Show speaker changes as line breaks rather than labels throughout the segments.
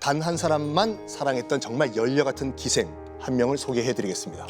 단 한 사람만 사랑했던 정말 열녀 같은 기생 한 명을 소개해드리겠습니다.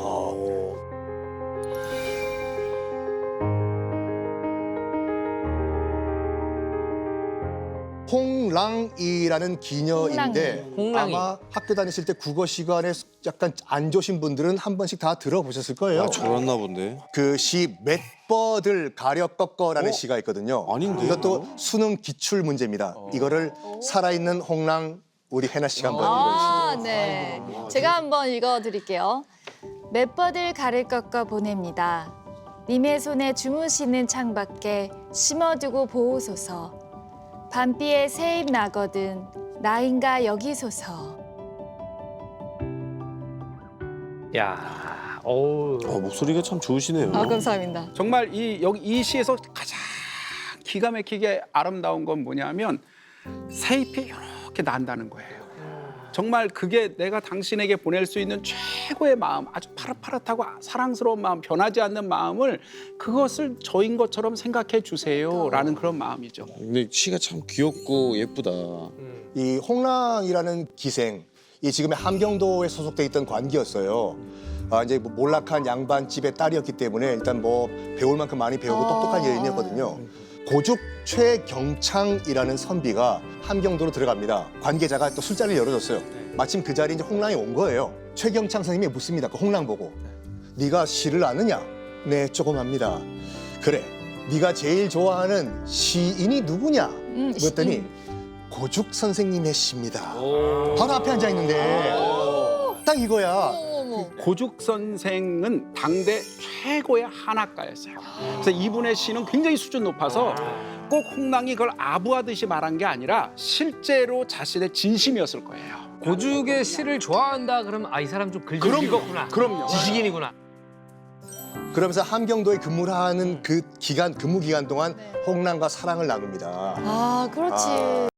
홍랑이라는 기녀인데
홍랑이.
아마 학교 다니실 때 국어 시간에 약간 안 좋으신 분들은 한 번씩 다 들어보셨을 거예요.
저랬나 본데.
그 시 맷버들 가려 꺾어라는 시가 있거든요.
아닌데,
이것도 수능 기출 문제입니다. 이거를 살아있는 홍랑 우리 해나 씨가 한번 읽어주시죠.
아, 네. 제가 한번 읽어드릴게요. 맷버들 가를 꺾어 보냅니다. 님의 손에 주무시는 창밖에 심어두고 보호소서. 밤비에 새잎 나거든 나인가 여기소서.
야, 어우.
목소리가 참 좋으시네요.
아, 감사합니다.
정말 이 시에서 가장 기가 막히게 아름다운 건 뭐냐면 새잎이 이렇게 난다는 거예요. 정말 그게 내가 당신에게 보낼 수 있는 최고의 마음, 아주 파릇파릇하고 사랑스러운 마음, 변하지 않는 마음을 그것을 저인 것처럼 생각해 주세요라는 그런 마음이죠.
근데 시가 참 귀엽고 예쁘다.
이 홍랑이라는 기생, 이 지금의 함경도에 소속돼 있던 관기였어요. 이제 뭐 몰락한 양반집의 딸이었기 때문에 일단 뭐 배울 만큼 많이 배우고 똑똑한 여인이었거든요. 고죽 최경창이라는 선비가 함경도로 들어갑니다. 관계자가 또 술자리를 열어줬어요. 마침 그 자리에 이제 홍랑이 온 거예요. 최경창 선생님이 묻습니다. 그 홍랑 보고. 네가 시를 아느냐? 네, 조금 합니다. 그래, 네가 제일 좋아하는 시인이 누구냐? 그랬더니 고죽 선생님의 시입니다. 바로 앞에 앉아 있는데 딱 이거야.
고죽 선생은 당대 최고의 한학가였어요. 그래서 이분의 시는 굉장히 수준 높아서 꼭 홍랑이 그걸 아부하듯이 말한 게 아니라 실제로 자신의 진심이었을 거예요.
고죽의 시를 좋아한다 그러면 이 사람 좀 글 좀
그럼요.
읽었구나.
그럼요.
지식인이구나.
그러면서 함경도에 근무를 하는 그 기간 근무 기간 동안 홍랑과 사랑을 나눕니다.
아, 그렇지.